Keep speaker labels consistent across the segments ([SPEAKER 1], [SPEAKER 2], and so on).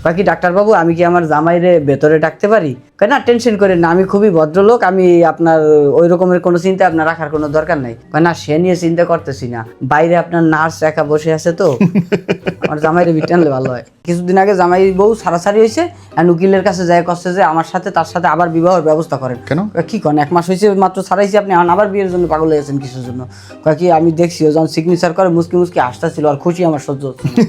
[SPEAKER 1] বাকি ডাক্তারবাবু আমি কি আমার জামাইরে ভেতরে ডাকতে পারি? কয় না টেনশন করেন না, আমি খুবই ভদ্রলোক, আমি আপনার ওই রকমের কোনো চিন্তা আপনার রাখার কোনো দরকার নাই। কয় না সে নিয়ে চিন্তা করতেছি না, বাইরে আপনার নার্স একা বসে আছে তো আমার জামাইরে বিট আনলে ভালো হয়। কিছুদিন আগে জামাই বউ সারাসারি হয়েছে, আর উকিলের কাছে যায় কষ্ট যে আমার সাথে তার সাথে আবার বিবাহের ব্যবস্থা করেন।
[SPEAKER 2] কেন?
[SPEAKER 1] কি করেন, 1 মাস হয়েছে মাত্র ছাড়াইছি, আপনি আবার বিয়ের জন্য পাগল হয়েছেন কিসের জন্য? কয় কি আমি দেখছি ও যখন সিগনেচার করে মুসকি মুসকি হাসতেছিল, আর খুশি আমার সহ্য হচ্ছে না।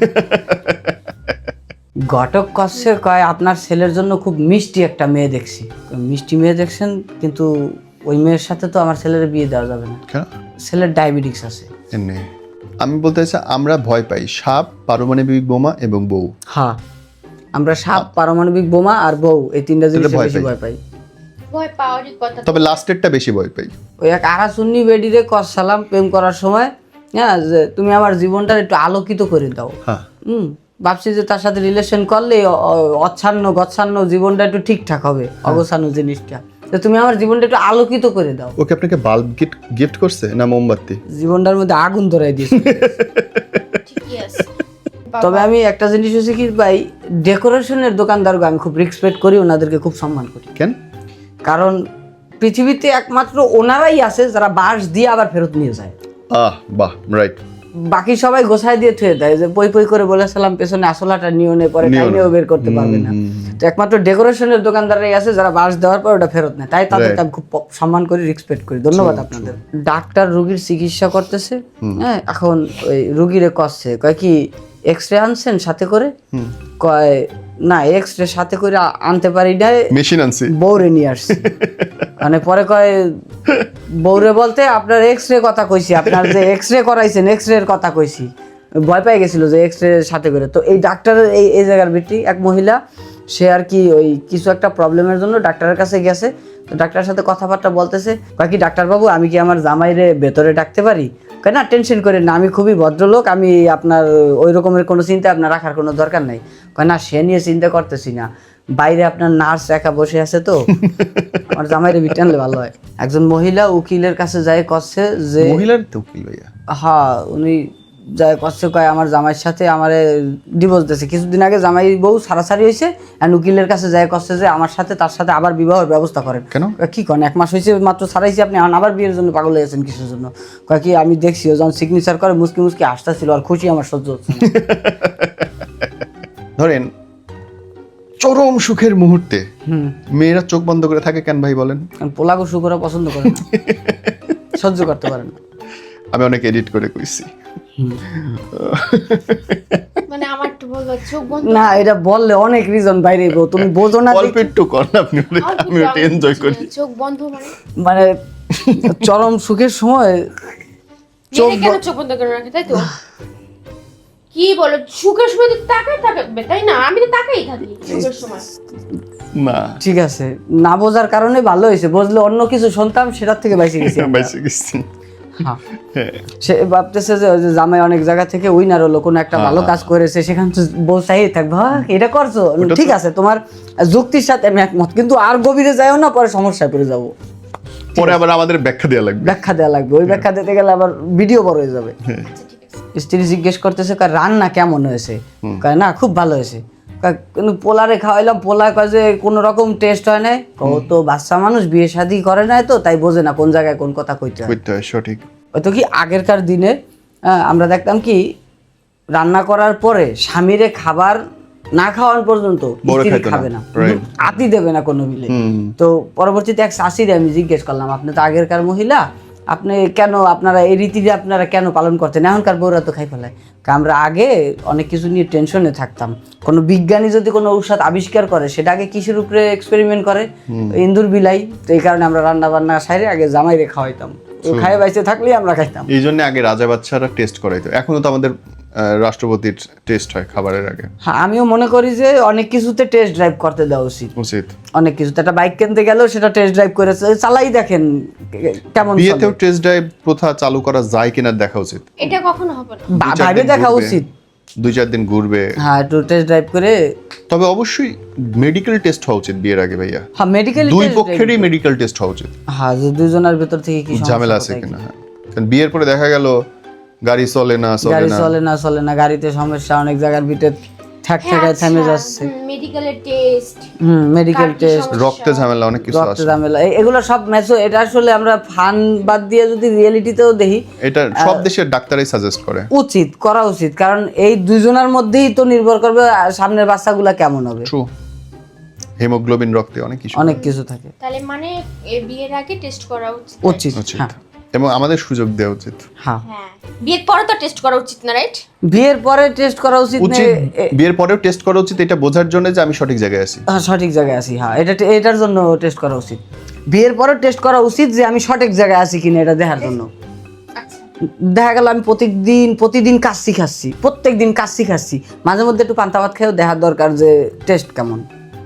[SPEAKER 1] ঘটক কচ্ছে কয় আপনার ছেলের জন্য খুব মিষ্টি একটা মেয়ে দেখছি। মিষ্টি মেয়ে দেখছেন, কিন্তু ওই মেয়ের সাথে তো আমার ছেলের বিয়ে দেওয়া যাবে না,
[SPEAKER 2] কেন?
[SPEAKER 1] ছেলের ডায়াবেটিস আছে।
[SPEAKER 2] এমনি আমি বলতে চাইছি আমরা ভয় পাই সাপ, পারমাণবিক বোমা এবং বউ।
[SPEAKER 1] হ্যাঁ, আমরা সাপ, পারমাণবিক বোমা আর বউ, এই 3টা জিনিস বেশি ভয় পাই।
[SPEAKER 3] ভয় পাওয়ারই কথা।
[SPEAKER 2] তবে লাস্টেরটা বেশি ভয় পাই।
[SPEAKER 1] ওই এক আরাসুন্নি বেডিরে সালাম প্রেম করার সময়, হ্যাঁ, যে তুমি আমার জীবনটা একটু আলোকিত করে দাও।
[SPEAKER 2] হ্যাঁ,
[SPEAKER 1] ভাবছি যে তার সাথে রিলেশন করলে অচ্ছন্ন গচ্ছান্ন জীবনটা একটু ঠিকঠাক হবে, অগোছানো জিনিসটা, তো তুমি আমার জীবনটা একটু আলোকিত করে দাও।
[SPEAKER 2] ওকে আপনাকে বাল্ব গিফট করছে না মোমবাতি?
[SPEAKER 1] জীবনটার মধ্যে আগুন ধরাই দিয়েছে।
[SPEAKER 3] ঠিকই আছে।
[SPEAKER 1] তবে আমি একটা জিনিস হচ্ছে কি ভাই, ডেকোরেশনের দোকানদারকে আমি খুব রেসপেক্ট করি, ওনাদেরকে খুব সম্মান করি।
[SPEAKER 2] কেন?
[SPEAKER 1] কারণ পৃথিবীতে একমাত্র ওনারাই আছে যারা বাঁশ দিয়ে আবার ফেরত নিয়ে যায়।
[SPEAKER 2] বাহ, রাইট।
[SPEAKER 1] বাকি সবাই গোছায় দিয়ে থুয়ে দেয়, যে পই পই করে বলেছিলাম পেছনে আসলাটা নিও নে, পরে টাইমেও বের করতে পারবে না। তো একমাত্র ডেকোরেশনের দোকানদাররাই আছে যারা বাঁশ দেওয়ার পর ওটা ফেরত নেয়, তাই তাদেরকে আমি খুব সম্মান করি, রেসপেক্ট করি। ধন্যবাদ আপনাদের। ডাক্তার রোগীর চিকিৎসা করতেছে, হ্যাঁ, এখন ওই রোগীরে কষছে, কয় কি এক্সরে আনছেন সাথে করে? কয় না, এক্সরে সাথে করে আনতে পারি না,
[SPEAKER 2] মেশিন আনছি,
[SPEAKER 1] বউরে নিয়ে আসছি। মানে পরে কয় বউরে বলতে আপনার এক্সরে কথা কইছি, আপনার যে এক্সরে করাইছেন এক্সরে এর কথা কইছি। ভয় পেয়ে গেছিল যে এক্সরে সাথে করে। তো এই ডাক্তারের এই জায়গার ভিত্তি এক মহিলা, সে আর কি ওই কিছু একটা প্রবলেমের জন্য ডাক্তারের কাছে গেছে। তো ডাক্তারের সাথে কথাবার্তা বলতেছে, বাকি ডাক্তারবাবু আমি কি আমার জামাইরে ভেতরে ডাকতে পারি? কয় না টেনশন করেন না, আমি খুবই ভদ্রলোক, আমি আপনার ওই রকমের কোনো চিন্তা আপনার রাখার কোনো দরকার নাই। কয় না সে নিয়ে চিন্তা করতেছি না, বাইরে আপনার নার্স একা বসে আছে তো আমার জামাইরে বিট আনলে ভালো হয়। একজন মহিলা উকিলের কাছে যায় কচ্ছে যে,
[SPEAKER 2] মহিলার তো উকিল ভাইয়া?
[SPEAKER 1] হ্যাঁ, উনি যায় কচ্ছে কয় আমার জামাইয়ের সাথে আমারে ডিভোর্স দিয়েছে। কিছুদিন আগে জামাই বউ সারাসারি হয়েছে, আর উকিলের কাছে যায় কচ্ছে যে আমার সাথে তার সাথে আবার বিবাহের ব্যবস্থা করেন।
[SPEAKER 2] কেন?
[SPEAKER 1] কি করেন, 1 মাস হয়েছে মাত্র ছাড়াইছি, আপনি আবার বিয়ের জন্য পাগল হয়েছেন কিসের জন্য? কয় কি আমি দেখছি ও যখন সিগনেচার করে মুসকি মুসকি হাসতেছিল, আর খুশি আমার সহ্য হচ্ছে না।
[SPEAKER 2] ধরেন চরম সুখের মুহূর্তে মেয়েরা চোখ বন্ধ করে থাকে কেন ভাই বলেন?
[SPEAKER 1] পোলাগো শুকরা পছন্দ করে না, সহ্য করতে পারেন না।
[SPEAKER 2] আমি অনেক এডিট করে কইছি।
[SPEAKER 3] মানে আমার একটু বলবো চোখ বন্ধ
[SPEAKER 1] না, এটা বললে অনেক রিজন বাইরে গো, তুমি বোঝো না।
[SPEAKER 2] অল্প একটু কর না আপনি, আমি ওটা এনজয় করি।
[SPEAKER 3] চোখ বন্ধ
[SPEAKER 1] মানে চরম সুখের সময় চোখ
[SPEAKER 3] মেয়েরা কেন চোখ বন্ধ করে রাখে, তাই তো? কি বলো, সুখের সময় তো তাকাই থাকবে, তাই না? আমি তো তাকাই থাকি সুখের সময়।
[SPEAKER 2] না,
[SPEAKER 1] ঠিক আছে, না বোঝার কারণে ভালো হয়েছে, বুঝলে অন্য কিছু শুনতাম সেটার থেকে বাইসে গেছি আমরা।
[SPEAKER 2] বেঁচে গেছি।
[SPEAKER 1] হ্যাঁ, সে ভাবতেছে যে ওই যে জামাই অনেক জায়গা থেকে উইনার হলো, কোনো একটা ভালো কাজ করেছে, সেখান থেকে বলতেই থাকবে হ্যাঁ এটা করছো, ঠিক আছে, তোমার যুক্তির সাথে আমি একমত, কিন্তু আর গভীরে যাও না, পরে সমস্যায় পড়ে যাবো।
[SPEAKER 2] পরে আবার আমাদের ব্যাখ্যা দেওয়া লাগবে।
[SPEAKER 1] ব্যাখ্যা দেওয়া লাগবে, ওই ব্যাখ্যা দিতে গেলে আবার ভিডিও বড় হয়ে যাবে।
[SPEAKER 3] আচ্ছা ঠিক আছে।
[SPEAKER 1] স্ত্রী জিজ্ঞেস করতেছে কয় রান্না কেমন হয়েছে? কয় না খুব ভালো হয়েছে। কয় কিন্তু পোলারে খাওয়াইলাম, পোলা কয় যে কোনো রকম টেস্ট হয় নাই। ও তো বাচ্চা মানুষ, বিয়ে শাদী করে নাই তো, তাই বোঝে না কোন জায়গায় কোন কথা কইতে হয়।
[SPEAKER 2] কইতে হয়, সঠিক।
[SPEAKER 1] হয়তো কি আগেরকার দিনে আমরা দেখতাম কি রান্না করার পরে স্বামীরে খাবার না খাওয়ান পর্যন্ত স্ত্রী খাবে না, আতি দেবে না কোনো মিলে। তো পরবর্তীতে এক শাশিরে আমি জিজ্ঞেস করলাম, আপনি তো আগেরকার মহিলা, আপনি কেন আপনারা এই রীতিটা আপনারা কেন পালন করতেন? এখনকার বউরা তো খাই ফেলায়। আমরা আগে অনেক কিছু নিয়ে টেনশনে থাকতাম। কোনো বিজ্ঞানী যদি কোনো ঔষধ আবিষ্কার করে, সেটা আগে কিসের উপরে এক্সপেরিমেন্ট করে? ইন্দুর বিলাই। তো এই কারণে আমরা রান্না বান্না সাইরে আগে জামাইরে খাওয়াইতাম, খাই বাইসে থাকলেই আমরা খাইতাম।
[SPEAKER 2] এই জন্য আগে রাজা বাচ্চারা টেস্ট করাইতো, এখনো তো আমাদের রাষ্ট্রপতির টেস্ট হয় খাবারের আগে।
[SPEAKER 1] হ্যাঁ, আমিও মনে করি যে অনেক কিছুতে টেস্ট ড্রাইভ করতে দেওয়া উচিত। অনেক কিছুতে, একটা বাইক কিনতে গেলেও সেটা টেস্ট ড্রাইভ করে চালাই দেখেন কেমন।
[SPEAKER 2] বিয়েতেও টেস্ট ড্রাইভ প্রথা চালু করা যায় কিনা দেখা উচিত।
[SPEAKER 3] এটা কখনো হবে না,
[SPEAKER 1] ভাবে দেখা উচিত।
[SPEAKER 2] 2-4 দিন ঘুরবে,
[SPEAKER 1] হ্যাঁ, একটু টেস্ট ড্রাইভ করে।
[SPEAKER 2] তবে অবশ্যই মেডিকেল টেস্ট হওয়া উচিত বিয়ের আগে ভাইয়া।
[SPEAKER 1] হ্যাঁ, মেডিকেল,
[SPEAKER 2] দুই পক্ষেরই মেডিকেল টেস্ট হওয়া উচিত।
[SPEAKER 1] হ্যাঁ, যে দুজনের ভিতর থেকে কি
[SPEAKER 2] ঝামেলা আছে কিনা। হ্যাঁ, কারণ বিয়ের পরে দেখা গেল গাড়ি চলে না,
[SPEAKER 1] গাড়ি চলে না, গাড়িতে সমস্যা, অনেক জায়গার ভিতরে ঠ্যাক থেমে যাচ্ছে,
[SPEAKER 3] মেডিকেলের টেস্ট,
[SPEAKER 1] মেডিকেল টেস্ট,
[SPEAKER 2] রক্তে ঝামেলা অনেক কিছু
[SPEAKER 1] রক্ত
[SPEAKER 2] আছে।
[SPEAKER 1] ঝামেলা, এগুলো সব ম্যাচও। এটা আসলে আমরা ফান বাদ দিয়ে যদি রিয়েলিটিতেও দেখি,
[SPEAKER 2] এটা সব দেশের ডাক্তারই সাজেস্ট করে।
[SPEAKER 1] করা উচিত, কারণ এই দুজনের মধ্যেই তো নির্ভর করবে সামনের বাচ্চাগুলা কেমন হবে।
[SPEAKER 2] ট্রু, হিমোগ্লোবিন রক্তে অনেক কিছু
[SPEAKER 1] থাকে।
[SPEAKER 3] তাহলে মানে বিয়ের আগে টেস্ট করা উচিত।
[SPEAKER 1] উচিত, হ্যাঁ।
[SPEAKER 2] এবং আমাদের সুযোগ দেওয়া উচিত।
[SPEAKER 1] হ্যাঁ,
[SPEAKER 3] হ্যাঁ, বিয়ের পরে তো টেস্ট করা উচিত না, রাইট?
[SPEAKER 1] বিয়ের পরে টেস্ট করা উচিত না,
[SPEAKER 2] বিয়ের পরেও টেস্ট করা উচিত, এটা বোঝার জন্য যে আমি সঠিক জায়গায় আছি।
[SPEAKER 1] হ্যাঁ, সঠিক জায়গায় আছি। হ্যাঁ, এটার জন্য টেস্ট করা উচিত। বিয়ের পরে টেস্ট করা উচিত যে আমি সঠিক জায়গায় আছি কিনা, এটা দেখার জন্য।
[SPEAKER 3] আচ্ছা,
[SPEAKER 1] দেখা গেল আমি প্রতিদিন কাচ্চি খাচ্ছি, প্রত্যেকদিন কাচ্চি খাচ্ছি, মাঝে মধ্যে একটু পান্তা ভাত খেয়েও দেখার দরকার যে টেস্ট কেমন।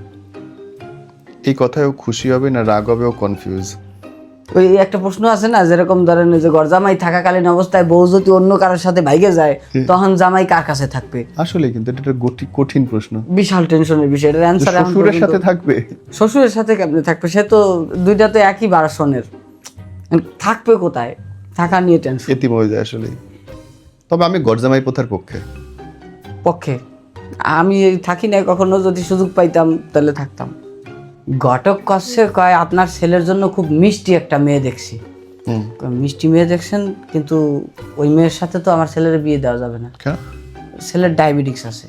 [SPEAKER 2] এই কথায়ও খুশি হবে না রাগ হবে, ও কনফিউজ।
[SPEAKER 1] ওই একটা প্রশ্ন আছে না, যেরকম ধরেন যে গরজামাই থাকাকালীন অবস্থায় বউ যদি অন্য কারোর সাথে ভাইগে যায়, তখন জামাই কার কাছে থাকবে?
[SPEAKER 2] আসলে কিন্তু এটা একটা কঠিন প্রশ্ন।
[SPEAKER 1] বিশাল টেনশনের বিষয়। এটার অ্যান্সার
[SPEAKER 2] শ্বশুরের সাথে থাকবে,
[SPEAKER 1] শ্বশুরের সাথে কেমনে থাকবে? সে তো দুইটা তো একই বারাসনের, থাকবে কোথায়? থাকা নিয়ে টেনশন।
[SPEAKER 2] এতিম হয়ে যায় আসলে। তবে আমি গরজামাই প্রথার
[SPEAKER 1] পক্ষে আমি থাকি না কখনো, যদি সুযোগ পাইতাম তাহলে থাকতাম। ঘটক কচ্ছে কয় আপনার ছেলের জন্য খুব মিষ্টি একটা মেয়ে দেখছি। মিষ্টি মেয়ে দেখছেন, কিন্তু ওই মেয়ের সাথে তো আমার ছেলের বিয়ে দেওয়া যাবে না, ছেলের ডায়াবেটিস আছে।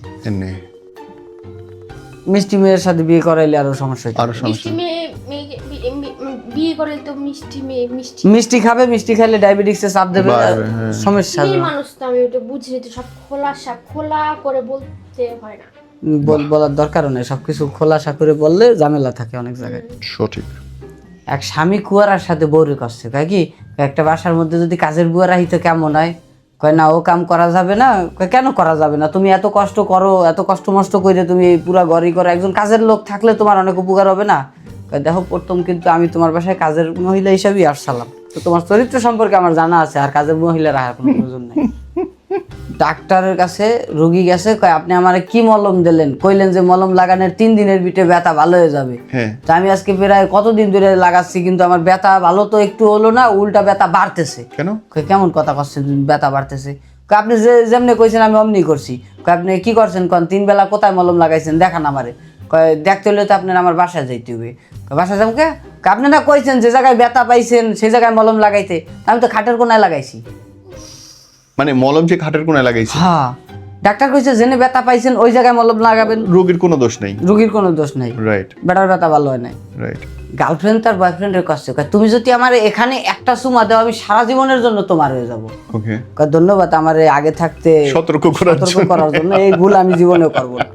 [SPEAKER 1] মিষ্টি মেয়ের সাথে বিয়ে করাইলে আরো সমস্যা হইতো।
[SPEAKER 3] মিষ্টি মেয়ে বিয়ে করলে তো
[SPEAKER 1] মিষ্টি খাবে, মিষ্টি খাইলে ডায়াবেটিসে চাপ দেবে, সমস্যা হবে।
[SPEAKER 3] মানুষ তো আমি ওটা বুঝি, তো সব খোলা করে বলতে হয় না,
[SPEAKER 1] বলার দরকারও নেই। সবকিছু খোলাসা করে বললে ঝামেলা থাকে অনেক জায়গায়।
[SPEAKER 2] সঠিক।
[SPEAKER 1] এক স্বামী কুয়ারার সাথে বউরে করছে, কয় কি একটা বাসার মধ্যে যদি কাজের বুয়া রাহিত কেমন হয়? কয় না, ও কাম করা যাবে না। কয় কেন করা যাবে না? তুমি এত কষ্ট করো, এত কষ্ট মষ্ট করে তুমি পুরা ঘরই করো, একজন কাজের লোক থাকলে তোমার অনেক উপকার হবে না? কয় দেখো, প্রথম কিন্তু আমি তোমার বাসায় কাজের মহিলা হিসাবেই আসছিলাম, তো তোমার চরিত্র সম্পর্কে আমার জানা আছে, আর কাজের মহিলা রাখার কোনো প্রয়োজন নেই। ডাক্তারের কাছে রুগী গেছে, কয় আপনি আমারে কি মলম দিলেন? কইলেন যে মলম লাগানোর 3 দিনের ভিতরে ব্যথা ভালো হয়ে যাবে। তো আমি আজকে প্রায় কতদিন ধরে লাগাচ্ছি, কিন্তু আমার ব্যথা ভালো তো একটু হলো না, উল্টা ব্যথা বাড়তেছে।
[SPEAKER 2] কেন?
[SPEAKER 1] কেমন কথা করছেন, ব্যথা বাড়তেছে? আপনি যেমনি কইছেন আমি অমনি করছি। আপনি কি করছেন কোন? 3 বেলা কোথায় মলম লাগাইছেন দেখান আমারে। কয় দেখতে হলে তো আপনার আমার বাসায় যাইতে হবে। বাসায় যাবো কে? আপনি না কইছেন যে জায়গায় ব্যথা পাইছেন সেই জায়গায় মলম লাগাইতে, আমি তো খাটের কোনায় লাগাইছি।
[SPEAKER 2] মানে মলম যে খাটের কোনায় লাগাইছি?
[SPEAKER 1] হ্যাঁ, ডাক্তার কইছে জেনে ব্যথা পাইছেন ওই জায়গায় মলম লাগাবেন।
[SPEAKER 2] রোগীর কোনো দোষ নেই,
[SPEAKER 1] রোগীর কোনো দোষ নাই।
[SPEAKER 2] রাইট।
[SPEAKER 1] বেটার ব্যথা ভালো হয় নাই।
[SPEAKER 2] রাইট।
[SPEAKER 1] গার্লফ্রেন্ড তার বয়ফ্রেন্ডের কাছে কয় তুমি যদি আমার এখানে একটা চুমা দাও, আমি সারা জীবনের জন্য তোমার হয়ে যাব।
[SPEAKER 2] ওকে,
[SPEAKER 1] কয় ধন্যবাদ আমার আগে থাকতে
[SPEAKER 2] সতর্ক করার
[SPEAKER 1] জন্য। এই ভুল আমি জীবনেও করব না।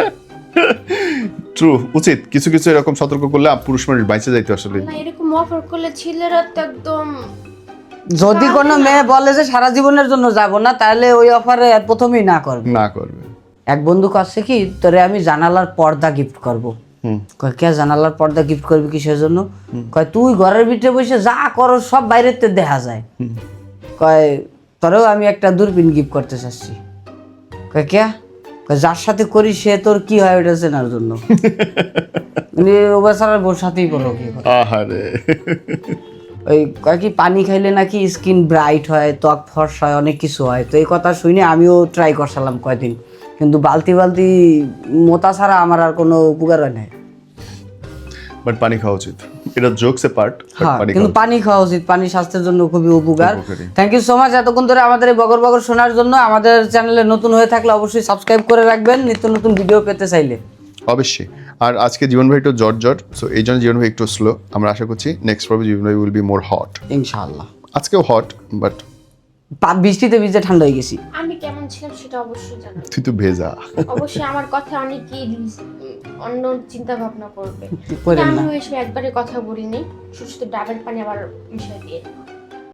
[SPEAKER 2] ট্রু, উচিত। কিছু কিছু এরকম সতর্ক করলে পুরুষ মানুষ বাইচে যাইতে। আসলে
[SPEAKER 3] না, এরকম অফার করলে ছেলেরা তো একদম,
[SPEAKER 1] যদি কোনো মেয়ে বলে যে সারা জীবনের জন্য যাব না, তাহলে ওই অফারে প্রথমেই না করবে। এক বন্ধু কাছে কি, তোরে আমি জানালার পর্দা গিফট করব। কয় কে জানালার পর্দা গিফট করবি কিসের জন্য? কয় তুই ঘরের ভিতরে বসে যা করো সব বাইরের তে দেখা যায়। কয় তোরেও আমি একটা দূরবীন গিফট করতে চাচ্ছি। কয় কে? কয় যার সাথে করি সে তোর কি হয় ওটা চেনার জন্য। ও বেচারার বোর সাথেই বলো কি কথা।
[SPEAKER 2] আহারে,
[SPEAKER 1] ওই কয় কি পানি খাইলে নাকি স্কিন ব্রাইট হয়, ত্বক ফর্সা হয়, অনেক কিছু হয়। তো এই কথা শুনে আমিও ট্রাই করছিলাম কয়দিন, কিন্তু বালতি মোতা ছাড়া আমার আর কোনো উপকার হয় নাই।
[SPEAKER 2] বাট পানি খাওয়া উচিত, এটা জোকস এ পার্ট।
[SPEAKER 1] হ্যাঁ, কিন্তু পানি খাওয়া উচিত, পানি স্বাস্থ্যের জন্য খুবই উপকার।
[SPEAKER 2] উপকারী।
[SPEAKER 1] থ্যাংক ইউ সো মাচ এতক্ষণ ধরে আমাদের এই বগর বগর শোনার জন্য। আমাদের চ্যানেলে নতুন হয়ে থাকলে অবশ্যই সাবস্ক্রাইব করে রাখবেন নিত্য নতুন ভিডিও পেতে চাইলে।
[SPEAKER 2] অবশ্যই। আর আজকে জীবন ভাই একটু জট, সো এই জন্য জীবন ভাই একটু স্লো। আমরা আশা করছি নেক্সট পর্বে জীবন ভাই উইল বি মোর হট।
[SPEAKER 1] ইনশাআল্লাহ।
[SPEAKER 2] আজকেও হট, বাট
[SPEAKER 1] বৃষ্টিতে ভিজে ঠান্ডা হয়ে গেছি।
[SPEAKER 3] আমি কেমন ছিলাম সেটা অবশ্যই জানাবো।
[SPEAKER 2] তুই তো ভেজা।
[SPEAKER 3] অবশ্যই আমার কথা অনেকেই অন্য চিন্তা ভাবনা করবে,
[SPEAKER 1] করেন না।
[SPEAKER 3] আমি ওই সময় একবারে কথা বলিনি, শুধু ডাবের পানি আবার মিশিয়ে দিয়ে